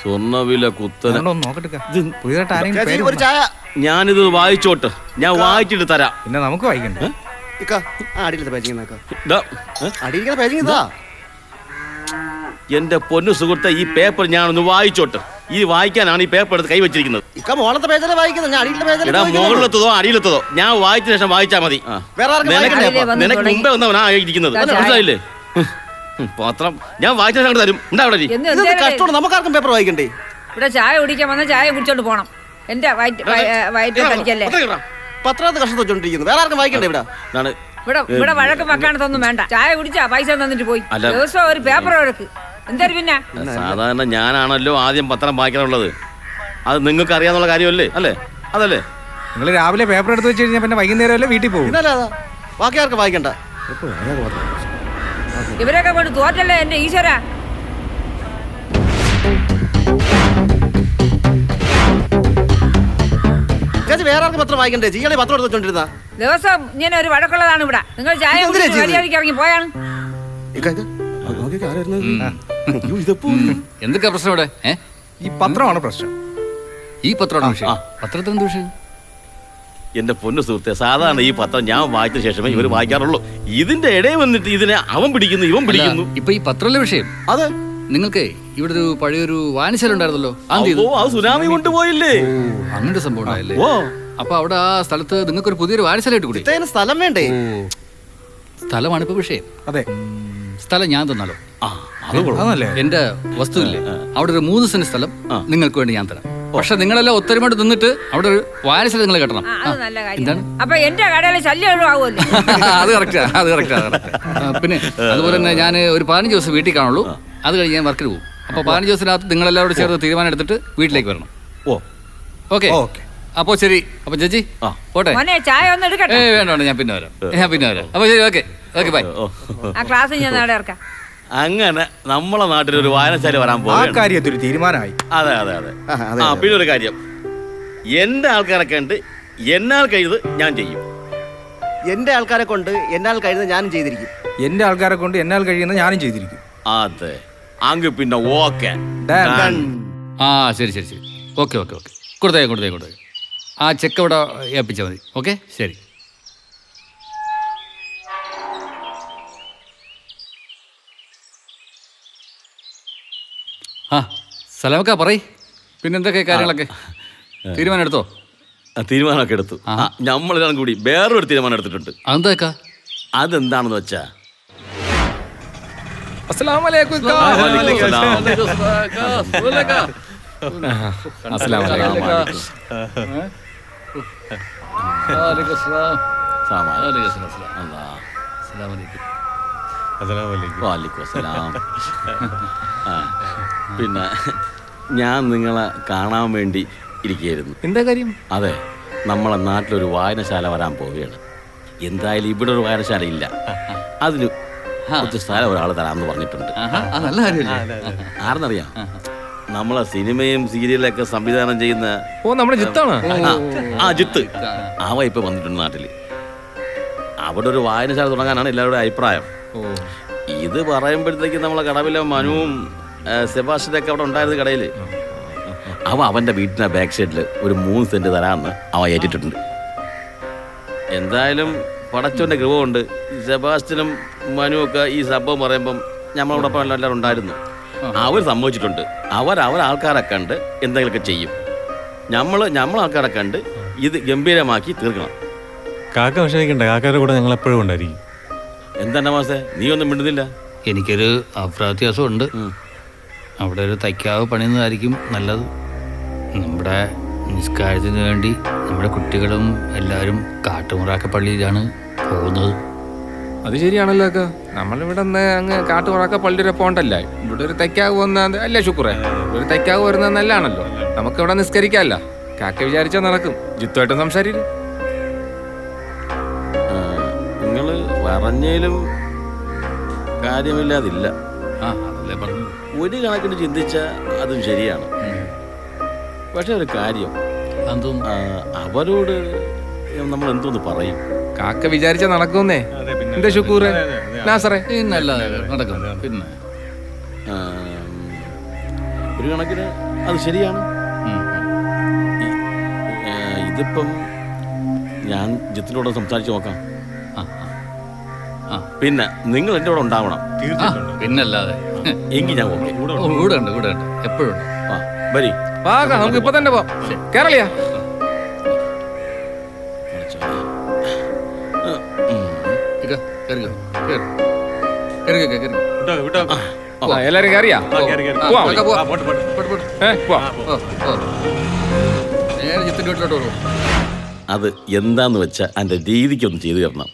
സ്വർണ്ണവില കുത്തനെ. ഞാനിത് വായിച്ചോട്ട്, ഞാൻ വായിച്ചിട്ട് തരാം. പിന്നെ നമുക്ക് വായിക്കണ്ടേ? എന്റെ പൊന്നു സുഹൃത്തെ, ഈ പേപ്പർ ഞാനൊന്ന് വായിച്ചോട്ട്. ഈ വായിക്കാനാണ് ഈ പേപ്പർ എടുത്ത് കൈവച്ചിരിക്കുന്നത്. മുകളിലെത്തതോ അടിയിലെത്തതോ ഞാൻ വായിച്ച ശേഷം വായിച്ചാ മതി. നിനക്ക് മുമ്പേ വന്നവനാ ഇരിക്കുന്നത്, മനസ്സിലായില്ലേ? പത്രം ഞാൻ വായിച്ച ശേഷം തരും. കഷ്ടമാണ്, നമുക്കാർക്കും പേപ്പർ വായിക്കണ്ടേ? ഇവിടെ ചായ കുടിക്കാൻ വന്ന ചായ കുടിച്ചോണ്ട് പോണം. എന്റെ പത്രത്ത് കഷ്ടം വെച്ചോണ്ടിരിക്കുന്നു, വേറെ ആർക്കും വായിക്കണ്ടേ? ഇവിടെ വഴക്ക് വെക്കാനൊന്നും വേണ്ട. ചായ കുടിച്ചാ പൈസ തന്നിട്ട് പോയി. ദിവസം ഒരു പേപ്പർ വഴക്ക് എന്തായാലും. പിന്നെ സാധാരണ ഞാനാണല്ലോ ആദ്യം പത്രം വായിക്കാനുള്ളത്. അത് നിങ്ങൾക്ക് അറിയാന്നുള്ള കാര്യമല്ലേ? അല്ലേ? അതല്ലേ? നിങ്ങൾ രാവിലെ പേപ്പർ എടുത്ത് വെച്ച് കഴിഞ്ഞാൽ പിന്നെ വൈകുന്നേരം അല്ലേ വീട്ടിൽ പോകും. ബാക്കി ആർക്കും വായിക്കണ്ട. ഇവരൊക്കെ കൊണ്ട് തോറ്റല്ലേ എന്റെ ഈശ്വര. വേറെ ആർക്കും പത്രം വായിക്കണ്ടേ? ജിയാളെ പത്രം എടുത്ത് വെച്ചോണ്ടിരുന്ന ദിവസം ഇങ്ങനെ ഒരു വഴക്കുള്ളതാണ് ഇവിടെ. നിങ്ങൾ ചായ മര്യാദയ്ക്ക് ഇറങ്ങി പോയാണ്. എന്തൊക്കെ പ്രശ്നം ഇവിടെ? ഈ പത്രമാണ് പ്രശ്നം. ഈ പത്രമാണ് വിഷയം. പത്രത്തിന് എന്ത് വിഷയം? എന്റെ പൊന്നു സുഹൃത്തെ, സാധാരണ ഈ പത്രം ഞാൻ വായിച്ച ശേഷമേ ഇവർ വായിക്കാറുള്ളൂ. ഇതിന്റെ ഇടയിൽ വന്നിട്ട് ഇതിനെ അവൻ പിടിക്കുന്നു, ഇവൻ പിടിക്കുന്നു. ഇപ്പൊ ഈ പത്രത്തിലെ വിഷയം അതെ. നിങ്ങൾക്ക് ഇവിടെ ഒരു പഴയൊരു വായനശാല ഉണ്ടായിരുന്നല്ലോ, അത് സുനാമി കൊണ്ടുപോയില്ലേ? അങ്ങനത്തെ സംഭവം ഉണ്ടായില്ലേ? അപ്പൊ അവിടെ ആ സ്ഥലത്ത് നിങ്ങൾക്ക് ഒരു പുതിയൊരു വായനശാല ഇട്ട് കൂടി? സ്ഥലം വേണ്ടേ? സ്ഥലമാണ് ഇപ്പൊ വിഷയം. അതെ, സ്ഥലം ഞാൻ തന്നാലോ? എന്റെ വസ്തു ഇല്ലേ, അവിടെ ഒരു 3 സെന്റ് സ്ഥലം നിങ്ങൾക്ക് വേണ്ടി ഞാൻ തരാം. പക്ഷെ നിങ്ങളെല്ലാം ഒത്തൊരുമയോട് നിന്നിട്ട് അവിടെ ഒരു വായനശാല നിങ്ങൾ കെട്ടണം. എന്താണ്? അപ്പൊ എന്റെ കടയിലെ ശല്യം ഒഴിവാകുമല്ലോ. അത് കറക്റ്റാ, അത് കറക്റ്റാ. പിന്നെ അതുപോലെ തന്നെ ഞാൻ ഒരു 15 ദിവസം വീട്ടിൽ കാണുള്ളൂ. അത് കഴിഞ്ഞ് ഞാൻ വർക്കിന് പോകും. അപ്പൊ 15 ദിവസത്തിനകത്ത് നിങ്ങളെല്ലാവരും ചേർന്ന് തീരുമാനം എടുത്തിട്ട് വീട്ടിലേക്ക് വരണം. ഓക്കെ? അപ്പൊ ശരി. അപ്പൊ ചേച്ചി പോട്ടെ. ചായ ഒന്ന് എടുക്കട്ടെ? വേണ്ട, ഞാൻ പിന്നെ വരാം. അപ്പൊ ശരി, ഓക്കെ ഓക്കെ, ബൈ. ആ ക്ലാസ് ഞാൻ നാളെ ഇറക്കാം. അങ്ങനെ നമ്മളെ നാട്ടിലൊരു വായനശാല വരാൻ പോകും. കാര്യത്തിൽ തീരുമാനമായി. അതെ അതെ അതെ. പിന്നെ ഒരു കാര്യം, എന്റെ ആൾക്കാരൊക്കെ ഉണ്ട്, എന്നാൽ കഴിയുന്നത് ഞാൻ ചെയ്യും. എന്റെ ആൾക്കാരെ കൊണ്ട് എന്നാൽ കഴിയുന്നത് ഞാനും ചെയ്തിരിക്കും. എന്റെ ആൾക്കാരെ കൊണ്ട് എന്നാൽ കഴിയുന്നത് ഞാനും ചെയ്തിരിക്കും. അതെ, അങ്ങ് പിന്നെ ഓക്കെ. ആ ശരി ശരി ശരി, ഓക്കെ ഓക്കെ ഓക്കെ. കൊടുത്തേ. ആ ചെക്ക് ഇവിടെ ഏൽപ്പിച്ചാൽ മതി. ഓക്കെ, ശരി. ആ സലാമക്ക പറയ്, പിന്നെന്തൊക്കെ കാര്യങ്ങളൊക്കെ? തീരുമാനം എടുത്തോ? തീരുമാനമൊക്കെ എടുത്തു. നമ്മളെല്ലാം കൂടി വേറൊരു തീരുമാനം എടുത്തിട്ടുണ്ട്. അതെന്താ? അതെന്താണെന്ന് വെച്ചാ, പിന്നെ ഞാൻ നിങ്ങളെ കാണാൻ വേണ്ടി ഇരിക്കുകയായിരുന്നു. എന്താ കാര്യം? അതെ, നമ്മളെ നാട്ടിലൊരു വായനശാല വരാൻ പോവുകയാണ്. എന്തായാലും ഇവിടെ ഒരു വായനശാല ഇല്ല, അതിന് കുറച്ച് സ്ഥലം ഒരാൾ തരാമെന്ന് പറഞ്ഞിട്ടുണ്ട്. ആരെന്നറിയാം? നമ്മളെ സിനിമയും സീരിയലൊക്കെ സംവിധാനം ചെയ്യുന്ന നമ്മുടെ ജിത്താണ്. ജിത്ത് അവ ഇപ്പൊ വന്നിട്ടുണ്ട് നാട്ടില്. അവിടെ ഒരു വായനശാല തുടങ്ങാനാണ് എല്ലാവരുടെ അഭിപ്രായം. ഇത് പറയുമ്പോഴത്തേക്ക് നമ്മളെ കടവിലെ മനുവും സെബാസ്റ്റ്യനൊക്കെ അവിടെ ഉണ്ടായിരുന്ന കടയില് അവന്റെ വീട്ടിന്റെ ബാക്ക് സൈഡിൽ ഒരു 3 സെന്റ് തരാമെന്ന് അവൻ ഏറ്റിട്ടുണ്ട്. എന്തായാലും പടച്ചോന്റെ കൃപ കൊണ്ട് സെബാസ്റ്റ്യനും മനുവൊക്കെ ഈ സംഭവം പറയുമ്പം നമ്മളോടൊപ്പം എല്ലാവരും ഉണ്ടായിരുന്നു. അവർ സമ്മതിച്ചിട്ടുണ്ട്. ആൾക്കാരെ കണ്ട് എന്തെങ്കിലുമൊക്കെ ചെയ്യും. നമ്മൾ ആൾക്കാരെ കണ്ട് ഇത് ഗംഭീരമാക്കി തീർക്കണം. കാക്ക വിഷമിക്കണ്ട, കാക്കയുടെ കൂടെ ഞങ്ങൾ എപ്പോഴും ഉണ്ടായിരിക്കും. എന്താ മാസേ, നീ ഒന്നും മിണ്ടുന്നില്ല? എനിക്കൊരു അപ്രാത്യാസം ഉണ്ട്. അവിടെ ഒരു തയ്ക്കാവ് പണിയുന്നതായിരിക്കും നല്ലത്. നമ്മുടെ നിസ്കാരത്തിന് വേണ്ടി നമ്മുടെ കുട്ടികളും എല്ലാവരും കാട്ടുമുറാക്ക പള്ളിയിലാണ് പോകുന്നത്. അത് ശരിയാണല്ലോ അക്ക. നമ്മളിവിടെ അങ്ങ് കാട്ടുമുറാക്ക പള്ളിയുടെ പോണ്ടല്ല, ഇവിടെ ഒരു തയ്ക്കാവ് വന്നത് അല്ലേ ശുക്രേ? ഒരു തയ്ക്കാവ് വരുന്നത് നല്ലതാണല്ലോ. നമുക്കിവിടെ നിസ്കരിക്കാമല്ല. കാക്ക വിചാരിച്ചാൽ നടക്കും. ജിത്തുമായിട്ടും സംസാരിക്കും. നിങ്ങള് പറഞ്ഞാലും കാര്യമില്ലാതില്ല. അതല്ലേ പറഞ്ഞു. ഒരു കണക്കിന് ചിന്തിച്ച അതും ശരിയാണ്. പക്ഷെ ഒരു കാര്യം, അവരോട് നമ്മൾ എന്തോന്ന് പറയും? കാക്ക വിചാരിച്ചാൽ നടക്കുന്നേ. എന്താ ശുക്കൂറ് നാസറേ? നടക്കും. പിന്നെ ഒരു കണക്കിന് അത് ശരിയാണ്. ഇതിപ്പം ഞാൻ ജിത്തിനോട് സംസാരിച്ച് നോക്കാം. പിന്നെ നിങ്ങൾ എൻ്റെ കൂടെ ഉണ്ടാവണം. പിന്നല്ലാതെ. എങ്കിൽ ഞാൻ ഓക്കെ. കൂടെ ഉണ്ട് എപ്പോഴും ഉണ്ട്. ആ വരി. നമുക്ക് ഇപ്പൊ തന്നെ പോവാം. കേരളിയാ എല്ലാരും കയറിയാ ജിത്തിന്റെ വീട്ടിലോട്ട് പോകും. അത് എന്താന്ന് വെച്ചാൽ എൻ്റെ രീതിക്കൊന്ന് ചെയ്തു തരണം.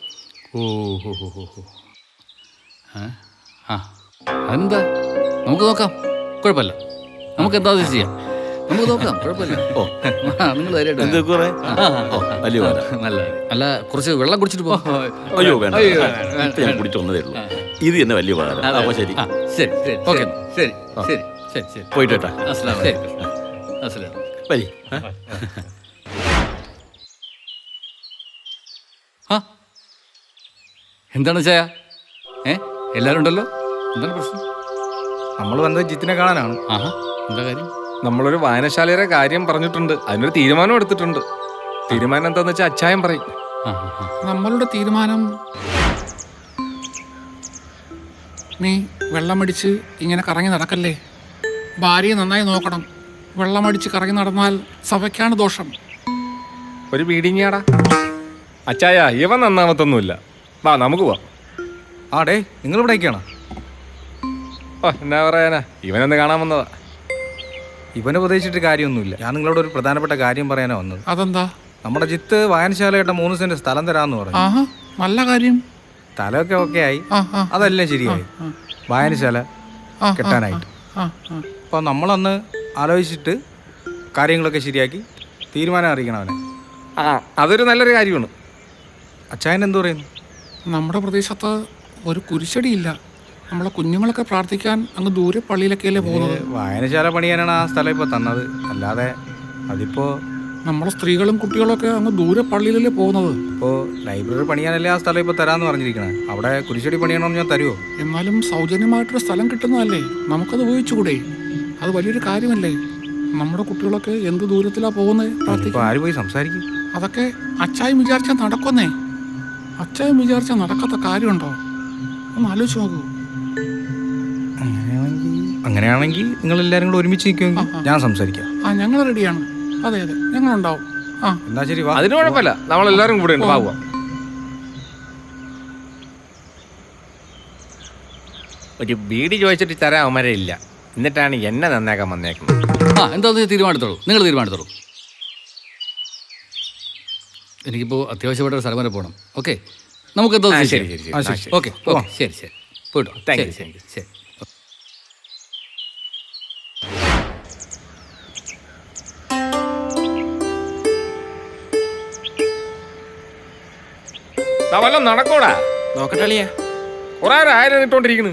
അതെന്താ, നമുക്ക് നോക്കാം, കുഴപ്പമില്ല. നമുക്ക് എന്താ ചെയ്യാം, നമുക്ക് നോക്കാം, കുഴപ്പമില്ല. ഓ നിങ്ങൾ വലിയ നല്ല അല്ല, കുറച്ച് വെള്ളം കുടിച്ചിട്ട് പോ. അയ്യോ വേണ്ട, ഞാൻ കുടിച്ചു വന്നതേ ഉള്ളൂ. ഇത് തന്നെ വലിയ ഉപകാരം. അപ്പൊ ശരി ശരി ഓക്കെ, ശരി ശരി ശരി ശരി പോയിട്ട് കേട്ടാ. വരി. എന്താണ് ചായ? എല്ലാരും ഉണ്ടല്ലോ, എന്താണ് പ്രശ്നം? നമ്മൾ വന്നത് ജിത്തിനെ കാണാനാണ്. ആഹാ, എന്താ കാര്യം? നമ്മളൊരു വായനശാലയുടെ കാര്യം പറഞ്ഞിട്ടുണ്ട്, അതിനൊരു തീരുമാനം എടുത്തിട്ടുണ്ട്. തീരുമാനം എന്താന്ന് വെച്ചാൽ അച്ചായം പറയും. നമ്മളുടെ തീരുമാനം, നീ വെള്ളമടിച്ച് ഇങ്ങനെ കറങ്ങി നടക്കല്ലേ, ഭാര്യയെ നന്നായി നോക്കണം. വെള്ളമടിച്ച് കറങ്ങി നടന്നാൽ സഭയ്ക്കാണ് ദോഷം. ഒരു ബീഡിങ്ങാടാ അച്ചായ, ഇവൻ നന്നാമത്തൊന്നുമില്ല. വാ നമുക്ക് പോവാം. ആടേ, നിങ്ങൾ ഇവിടേക്കാണോ? ഓ എന്നാ പറയാനാ, ഇവനൊന്ന് കാണാൻ വന്നതാ. ഇവനെ ഉപദേശിച്ചിട്ട് കാര്യമൊന്നുമില്ല. ഞാൻ നിങ്ങളോട് ഒരു പ്രധാനപ്പെട്ട കാര്യം പറയാനാ വന്നത്. അതെന്താ? നമ്മുടെ ജിത്ത് വായനശാലയുടെ 3 സെന്റ് സ്ഥലം തരാന്ന് പറഞ്ഞു. ആഹാ, നല്ല കാര്യം. സ്ഥലമൊക്കെ ഓക്കെ ആയി, അതെല്ലാം ശരിയായി. വായനശാല കെട്ടാനായിട്ട്. അപ്പോൾ നമ്മളന്ന് ആലോചിച്ചിട്ട് കാര്യങ്ങളൊക്കെ ശരിയാക്കി തീരുമാനം അറിയിക്കണം അവനെ. അതൊരു നല്ലൊരു കാര്യമാണ്. അച്ചായൻ എന്തു പറയുന്നു? നമ്മുടെ പ്രദേശത്ത് ഒരു കുരിശടിയില്ല. നമ്മളെ കുഞ്ഞുങ്ങളൊക്കെ പ്രാർത്ഥിക്കാൻ അങ്ങ് ദൂരെ പള്ളിയിലൊക്കെയല്ലേ പോകുന്നത്. വായനശാല പണിയാനാണ് ആ സ്ഥലം ഇപ്പോൾ തന്നത്, അല്ലാതെ അതിപ്പോൾ നമ്മളെ സ്ത്രീകളും കുട്ടികളൊക്കെ അങ്ങ് ദൂരെ പള്ളിയിലല്ലേ പോകുന്നത്. ഇപ്പോൾ ലൈബ്രറി പണിയാനല്ലേ ആ സ്ഥലം ഇപ്പോൾ തരാമെന്ന് പറഞ്ഞിരിക്കണേ. അവിടെ കുരിശടി പണിയണമെന്ന് ഞാൻ തരുമോ? എന്നാലും സൗജന്യമായിട്ടൊരു സ്ഥലം കിട്ടുന്നതല്ലേ, നമുക്കത് ഉപയോഗിച്ചുകൂടെ? അത് വലിയൊരു കാര്യമല്ലേ. നമ്മുടെ കുട്ടികളൊക്കെ എന്ത് ദൂരത്തിലാണ് പോകുന്നത് പ്രാർത്ഥിക്കാൻ. ആര് പോയി സംസാരിക്കും? അതൊക്കെ അച്ചായം വിചാരിച്ചാൽ നടക്കുന്നേ. അച്ചായം വിചാരിച്ചാൽ നടക്കാത്ത കാര്യമുണ്ടോ? ഒന്ന് ആലോചിച്ച് നോക്കൂ. അങ്ങനെയാണെങ്കിൽ നിങ്ങൾ എല്ലാവരും കൂടെ ഒരുമിച്ച് നിൽക്കുമെങ്കിൽ ഞാൻ സംസാരിക്കാം. ഞങ്ങൾ റെഡിയാണ്. അതെ ഞങ്ങളുണ്ടാവും. എന്നാ ശരി, വാ. അതിന് കുഴപ്പമില്ല, നമ്മളെല്ലാവരും കൂടെ ഉണ്ട്. പോവാം. ഒരു ബീഡി ചോദിച്ചിട്ട് തരാൻ അവന്മാരെ ഇല്ല, എന്നിട്ടാണ് എന്നെ നന്നാക്കാൻ വന്നേക്കുന്നത്. എന്താ തീരുമാനത്തോളൂ, നിങ്ങൾ തീരുമാനത്തോളൂ. എനിക്കിപ്പോൾ അത്യാവശ്യമായിട്ട് ഒരു സ്ഥലം വരെ പോകണം. ഓക്കെ, നമുക്ക് എന്താ? ശരി ശരി ശരി. ഓക്കെ ശരി ശരി, പോയിട്ടോ. Thank you. ശരി ശരി. വല്ലതും നടക്കോടാ? നോക്കട്ടെ. കുറെ ആയിരം ഇട്ടോണ്ടിരിക്കുന്നു.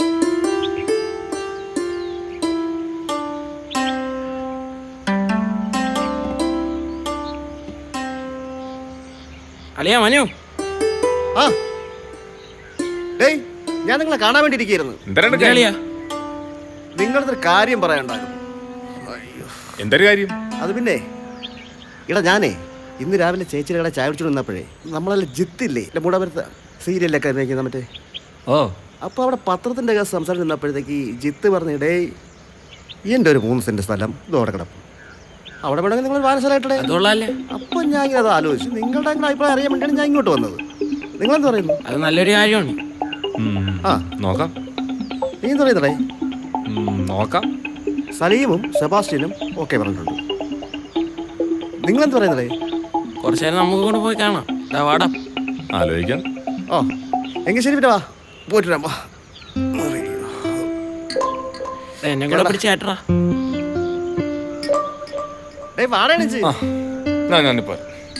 അളിയാ മനു. ആ ഡേയ്, ഞാൻ നിങ്ങളെ കാണാൻ വേണ്ടി ഇരിക്കുന്നു. നിങ്ങളൊരു കാര്യം പറയാനുണ്ടായിരുന്നു. എന്തൊരു കാര്യം? അത് പിന്നെ ഇടാ, ഞാനേ ഇന്ന് രാവിലെ ചേച്ചിയുടെ കട ചായ കുടിച്ചു നിന്നപ്പോഴേ നമ്മളല്ല ജിത്തില്ലേ മൂടാപുരത്ത് സീരിയലൊക്കെ അഭിനയിക്കുന്ന മറ്റേ. അപ്പോൾ അവിടെ പത്രത്തിൻ്റെ കേസ് സംസാരിച്ച് നിന്നപ്പോഴത്തേക്ക് ജിത്ത് പറഞ്ഞിടേ എൻ്റെ ഒരു 3 സെന്റ് സ്ഥലം ഇതോടെ കിടക്കും, അവിടെ വേണമെങ്കിൽ നിങ്ങൾ വാനശാലായിട്ടേ. അപ്പം ഞാൻ ഇങ്ങനെ അത് ആലോചിച്ചു. നിങ്ങളുടെ അഭിപ്രായം അറിയാൻ വേണ്ടിയാണ് ഞാൻ ഇങ്ങോട്ട് വന്നത്. നിങ്ങളെന്ത് പറയുന്നു? അത് നല്ലൊരു കാര്യമാണ്. നോക്കാം. നീ എന്ത് പറയുന്നടേ? നോക്കാം. സലീമും സെബാസ്റ്റ്യനും ഓക്കെ പറഞ്ഞിട്ടുണ്ട്. നിങ്ങളെന്ത് പറയുന്നതേ? കുറച്ചു നേരം നമുക്ക് കൂടെ പോയി കാണാം. വാടാ, ആലോചിക്കാം. ഓ എങ്കിൽ ശരി, പിന്നെ വാ, പോയിട്ട് വരാം. എന്നെ കൂടെ പിടിച്ചേട്ടാ. ഞാനിപ്പോ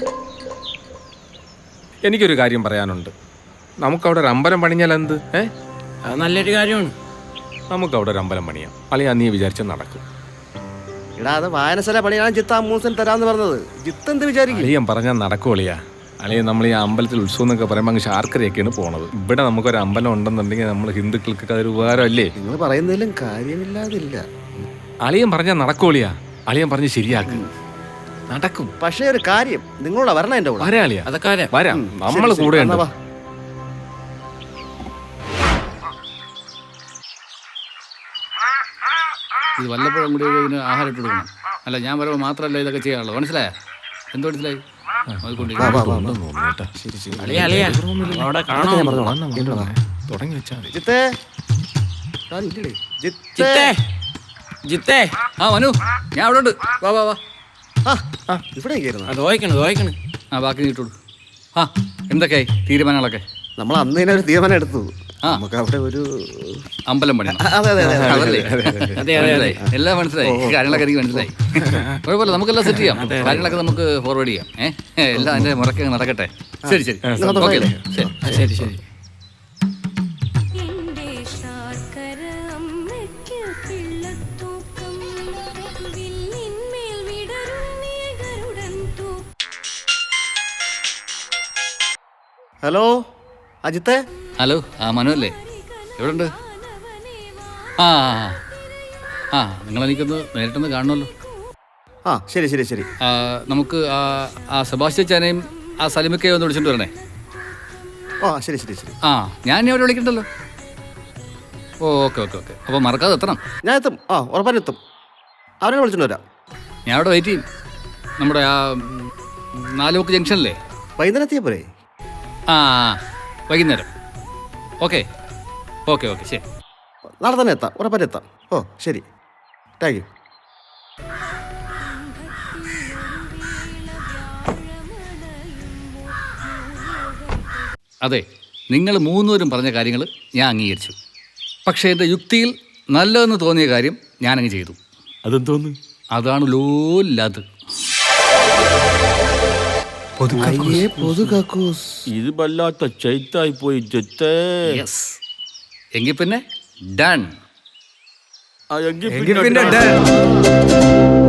എനിക്കൊരു കാര്യം പറയാനുണ്ട്. നമുക്കവിടെ ഒരു അമ്പലം പണിഞ്ഞാൽ എന്ത്? അത് നല്ലൊരു കാര്യമാണ്. നമുക്കവിടെ ഒരു അമ്പലം പണിയാം. അല്ലെങ്കിൽ നീ വിചാരിച്ച നടക്കും. എടാ, അത് വായനശാല പണിയാണ് ജിത്ത് ആ 3 സെന്റ് തരാമെന്ന് പറഞ്ഞത്. ജിത്ത് എന്ത് വിചാരിക്കും? അളിയൻ പറഞ്ഞാൽ നടക്കുവളിയാ. അല്ലെങ്കിൽ നമ്മൾ ഈ അമ്പലത്തിൽ ഉത്സവം എന്നൊക്കെ പറയുമ്പോൾ അങ്ങ് ശാർക്കരയൊക്കെയാണ് പോണത്. ഇവിടെ നമുക്കൊരു അമ്പലം ഉണ്ടെന്നുണ്ടെങ്കിൽ നമ്മൾ ഹിന്ദുക്കൾക്കൊക്കെ അതൊരു ഉപകാരമല്ലേ? നിങ്ങൾ പറയുന്നതിലും കാര്യമില്ലാതില്ല. അളിയൻ പറഞ്ഞാൽ നടക്കോളിയാ. അളിയൻ പറഞ്ഞ് ശരിയാക്ക്, നടക്കും. പക്ഷേ ഒരു കാര്യം, നിങ്ങളോട് വരണം എൻ്റെ കൂടെ. വരാ അളിയാ, അതൊക്കെ വരാം. വരാം. നമ്മൾ ശരി, കൂടെ എന്നാ ഉണ്ട്. വാ. ഇത് വല്ലപ്പോഴും കൂടി ഇതിന് ആഹാരം ഇട്ട് കൊടുക്കണം. അല്ല, ഞാൻ വരുമ്പോൾ മാത്രമല്ല ഇതൊക്കെ ചെയ്യാനുള്ളൂ. മനസ്സിലായോ? എന്തോ മനസ്സിലായി? അളിയാ അളിയാ അവിടെ കാണാൻ തുടങ്ങി വെച്ചാ മതി. ജിത്തേ, ഞാനില്ലേ? ജിത്തേ. ജിത്തേ ജിത്തേ ആ മനു, ഞാൻ അവിടെ ഉണ്ട്. വാ വാ വാ. ആ, ഇവിടെ കയറുന്ന അത് ദോഹിക്കണ്. ആ ബാക്കി നീട്ടോളൂ. ആ എന്തൊക്കെയായി തീരുമാനങ്ങളൊക്കെ? നമ്മൾ അന്ന് തന്നെ ഒരു തീരുമാനം എടുത്തു. ആ. നമുക്ക് അവിടെ ഒരു അമ്പലം പണിയണം. അതെ അതെ അതെ അതല്ലേ? അതെ അതെ അതെ. എല്ലാം മനസ്സിലായി, കാര്യങ്ങളൊക്കെ എനിക്ക് മനസ്സിലായി. കുഴപ്പമില്ല, നമുക്കെല്ലാം സെറ്റ് ചെയ്യാം. കാര്യങ്ങളൊക്കെ നമുക്ക് ഫോർവേഡ് ചെയ്യാം. എല്ലാം അതിന്റെ മുറക്കെ നടക്കട്ടെ. ശരി ശരി, ഓക്കെ ശരി. ശരി ശരി. ഹലോ അജിത്തേ. ഹലോ, ആ മനു അല്ലേ? എവിടെ ഉണ്ട്? ആ ആ നിങ്ങളെനിക്കൊന്ന് നേരിട്ടൊന്ന് കാണണമല്ലോ. ആ ശരി ശരി ശരി. നമുക്ക് ആ സെബാസ്റ്റ്യൻ ചാനയും ആ സലിമിക്കയും ഒന്ന് വിളിച്ചിട്ട് വരണേ. ആ ശരി ശരി ശരി. ആ ഞാൻ ഇനി അവിടെ വിളിക്കണ്ടല്ലോ. ഓ ഓക്കെ ഓക്കെ ഓക്കെ. അപ്പോൾ മറക്കാതെ എത്തണം. ഞാൻ എത്തും. ആ ഉറപ്പായും എത്തും. അവരെ വിളിച്ചിട്ട് വരാം. ഞാൻ അവിടെ വെയിറ്റ് ചെയ്യും. നമ്മുടെ ആ 4 മുക്ക് ജംഗ്ഷനില്ലേ? വൈകുന്നേരം എത്തിയാൽ പോരെ? ആ വൈകുന്നേരം. ഓക്കെ ഓക്കെ ഓക്കെ ശരി. നാളെ തന്നെ എത്താം, ഉറപ്പായും എത്താം. ഓ ശരി, താങ്ക് യു. അതെ, നിങ്ങൾ 3 പേരും പറഞ്ഞ കാര്യങ്ങൾ ഞാൻ അംഗീകരിച്ചു. പക്ഷേ എൻ്റെ യുക്തിയിൽ നല്ലതെന്ന് തോന്നിയ കാര്യം ഞാനങ്ങ് ചെയ്തു. അതെന്തോന്ന്? അതാണ് ലോല്ലാത്. ഇത് വല്ലാത്ത ചൈത്തായി പോയി ജിത്തേ. യെസ്, എങ്കിൽ പിന്നെ ഡൺ. ആ, എങ്കിൽ എങ്കിൽ പിന്നെ പിന്നെ